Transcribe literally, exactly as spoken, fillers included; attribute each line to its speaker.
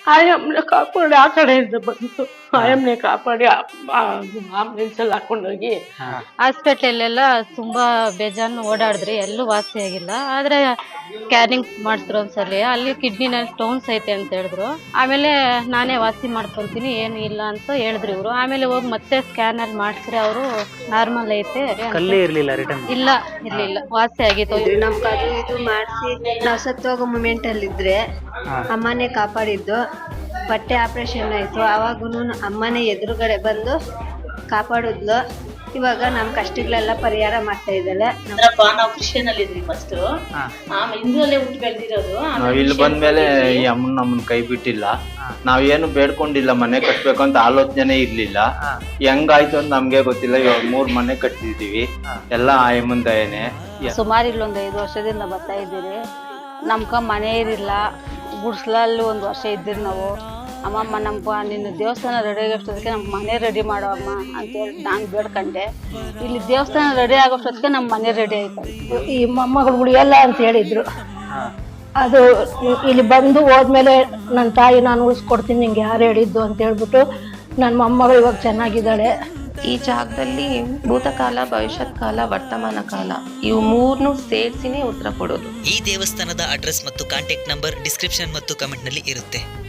Speaker 1: ಆಯಮ್ಮನ ಕಾಪಾಡಿ ಆ ಕಡೆಯಿಂದ ಬಂತು. ಆಯಮ್ಮನೆ ಕಾಪಾಡಿ ಆಂಬುಲೆನ್ಸ್ ಅಲ್ಲಿ ಹಾಕೊಂಡೋಗಿ ಹಾಸ್ಪಿಟ್ಲಲ್ಲೆಲ್ಲ ತುಂಬಾ ಬೇಜಾನ್ ಓಡಾಡಿದ್ರಿ, ಎಲ್ಲೂ ವಾಸಿ ಆಗಿಲ್ಲ. ಆದ್ರೆ ಸ್ಕ್ಯಾನಿಂಗ್ ಮಾಡಿಸಿದ್ರು ಒಂದ್ಸಲಿ, ಅಲ್ಲಿ ಕಿಡ್ನಿನಲ್ಲಿ ಸ್ಟೋನ್ಸ್ ಐತೆ ಅಂತ ಹೇಳಿದ್ರು. ಆಮೇಲೆ ನಾನೇ ವಾಸಿ ಮಾಡ್ಕೊಂತೀನಿ, ಏನು ಇಲ್ಲ ಅಂತ ಹೇಳಿದ್ರು ಇವರು. ಆಮೇಲೆ ಹೋಗಿ ಮತ್ತೆ ಸ್ಕ್ಯಾನ್ ಅಲ್ಲಿ ಮಾಡಿಸಿದ್ರೆ ಅವರು ನಾರ್ಮಲ್ ಐತೆ
Speaker 2: ಇರ್ಲಿಲ್ಲ ರಿಟರ್ನ್
Speaker 1: ಇಲ್ಲ ಇರ್ಲಿಲ್ಲ, ವಾಸಿ ಆಗಿತ್ತು.
Speaker 3: ನಮ್ಗೆ ಅದು ಇದು ಮಾಡಿಸಿ ನಾವು ಸತ್ತೋಗೋ ಮೂಮೆಂಟ್ ಅಲ್ಲಿ ಇದ್ರೆ ಅಮ್ಮನೇ ಕಾಪಾಡಿದ್ದು. ಬಟ್ಟೆ ಆಪರೇಷನ್ ಆಯ್ತು, ಅವಾಗೂ ಅಮ್ಮನೇ ಎದುರುಗಡೆ ಬಂದು ಕಾಪಾಡಿದ್ಲು. ಇವಾಗ ನಮ್ ಕಷ್ಟಗಳೆಲ್ಲ ಪರಿಹಾರ ಮಾಡ್ತಾ ಇದ್ದಾಳೆ.
Speaker 4: ನಾವು ಕ್ರಿಶ್ಚಿಯನ್ ಅಲ್ಲಿ ಇದ್ವಿ ಫಸ್ಟ್, ಆಮೇಲೆ ಹಿಂದೂಲ್ಲೇ ಹುಟ್ಟು ಬೆಳೆದಿರೋದು.
Speaker 5: ನಾವ್ ಇಲ್ಲಿ ಬಂದ್ಮೇಲೆ ಈ ಅಮ್ಮನ್ ನಮ್ಮನ್ ಕೈ ಬಿಟ್ಟಿಲ್ಲ. ನಾವೇನು ಬೇಡ್ಕೊಂಡಿಲ್ಲ, ಮನೆ ಕಟ್ಬೇಕು ಅಂತ ಆಲೋಚನೆ ಇರ್ಲಿಲ್ಲ. ಹೆಂಗಾಯ್ತು ಅಂತ ನಮ್ಗೆ ಗೊತ್ತಿಲ್ಲ. ಇವಾಗ ಮೂರ್ ಮನೆ ಕಟ್ಟಿದೀವಿ, ಎಲ್ಲ ಆಯಮ್ಮನ್ ದಯನೆ.
Speaker 1: ಸುಮಾರು ಇಲ್ಲೊಂದು ಐದು ವರ್ಷದಿಂದ ಬರ್ತಾ ಇದ್ದೀರಿ. ನಮ್ಗ ಮನೆ ಇರಿಲ್ಲ, ಗುಡ್ಸ್ಲಲ್ಲಿ ಒಂದು ವರ್ಷ ಇದ್ದೀರಿ ನಾವು. ಅಮ್ಮಮ್ಮ ನಮ್ಗ ನಿನ್ನ ದೇವಸ್ಥಾನ ರೆಡಿ ಆಗೋಷ್ಟೊತ್ತಿಗೆ ನಮ್ ಮನೆ ರೆಡಿ ಮಾಡೋ ಅಮ್ಮ ಅಂತೇಳಿ ನಾನು ಬೇಡ್ಕೊಂಡೆ. ಇಲ್ಲಿ ದೇವಸ್ಥಾನ ರೆಡಿ ಆಗೋಷ್ಟೊತ್ತಿಗೆ ನಮ್ಮ ಮನೆ ರೆಡಿ ಆಯ್ತು.
Speaker 6: ಈ ಮೊಮ್ಮಗಳು ಉಳಿಯಲ್ಲ ಅಂತ ಹೇಳಿದ್ರು. ಅದು ಇಲ್ಲಿ ಬಂದು ಹೋದ್ಮೇಲೆ ನನ್ನ ತಾಯಿ ನಾನು ಉಳಿಸ್ಕೊಡ್ತೀನಿ ನಿಂಗೆ ಯಾರು ಹೇಳಿದ್ದು ಅಂತ ಹೇಳ್ಬಿಟ್ಟು ನನ್ನ ಮೊಮ್ಮಗಳು ಇವಾಗ ಚೆನ್ನಾಗಿದ್ದಾಳೆ.
Speaker 7: ಈ ಜಾಗದಲ್ಲಿ ಭೂತಕಾಲ, ಭವಿಷ್ಯತ್ ಕಾಲ, ವರ್ತಮಾನ ಕಾಲ ಇವು ಮೂರ್ನು ಸೇರಿಸಿನೇ ಉತ್ತರ ಕೊಡೋದು.
Speaker 8: ಈ ದೇವಸ್ಥಾನದ ಅಡ್ರೆಸ್ ಮತ್ತು ಕಾಂಟ್ಯಾಕ್ಟ್ ನಂಬರ್ ಡಿಸ್ಕ್ರಿಪ್ಷನ್ ಮತ್ತು ಕಮೆಂಟ್ ನಲ್ಲಿ ಇರುತ್ತೆ.